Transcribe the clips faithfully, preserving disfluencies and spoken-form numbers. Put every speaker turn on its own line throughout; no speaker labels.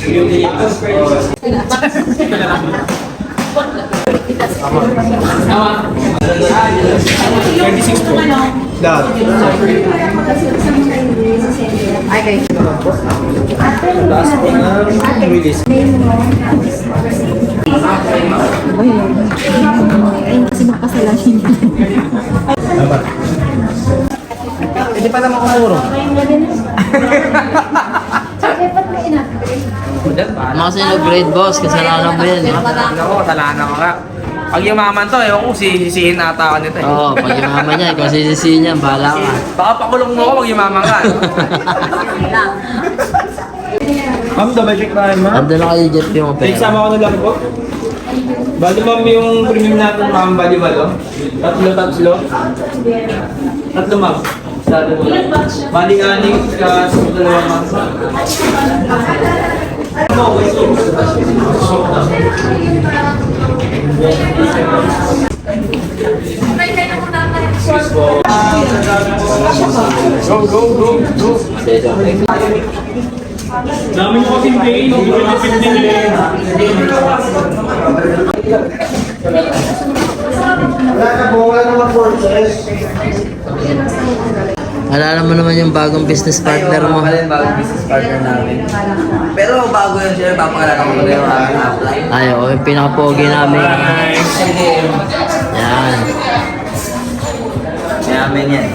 thirty-six po. Dot.
Okay.
Last po na release.
Ay, kasi magpasalasin.
Hindi pa naman kumuro.
Mga sinug-grade boss, kasalanan mo yan.
Ako, kasalanan ko nga. Pag yumaman to, ewan ko sisisihin ata ako nito eh.
Oo, pag yumaman niya, kung sisisihin niya, bahala ka.
Baka pakulong mo ako pag yumaman ka. Ma'am, double check tayo ma'am.
Ando na kayo jet yung pera.
Isama ko na lang po. Bali ma'am yung premium natin ma'am, bali malo. Tatlo, tatlo. Tatlo ma'am. Tatlo mo. Bali aning ka sa dalawa ma'am. Go, go, go, go. Dami mo kasing tingin, hindi ko tipid din eh.
Alala mo naman yung bagong business partner mo.
Wala yung bagong business partner namin. Pero bago yun siya, papakalala ko muna yung aming upline.
Ay, o, yung pinaka-pogi namin. Yan.
Mayamin yan.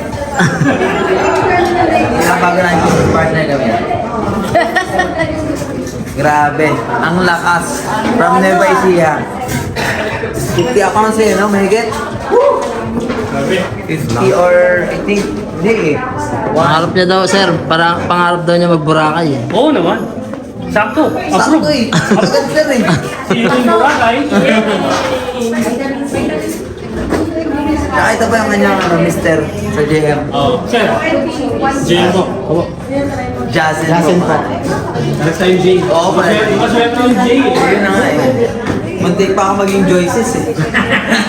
Yung bago na yung business partner kami. Grabe, ang lakas. From Nueva Ecija. fifty accounts eh, no? Mahigit? fifty or I think, hindi eh.
Pangarap niya daw, sir. Para, pangarap daw niya mag-Boracay. eh.
Oo naman. Sakto.
Sakto eh. Agad sir eh.
Sino yung Boracay?
Tsaka ito pa yung kanyang ano, mister sa J M.
Oo. Sir. Jane po.
Jazen
Jazen po.
Next time, Jane.
Oo, pare.
Maswerte yung Jane.
Yun na nga eh. Muntik pa ako maging Joyces eh.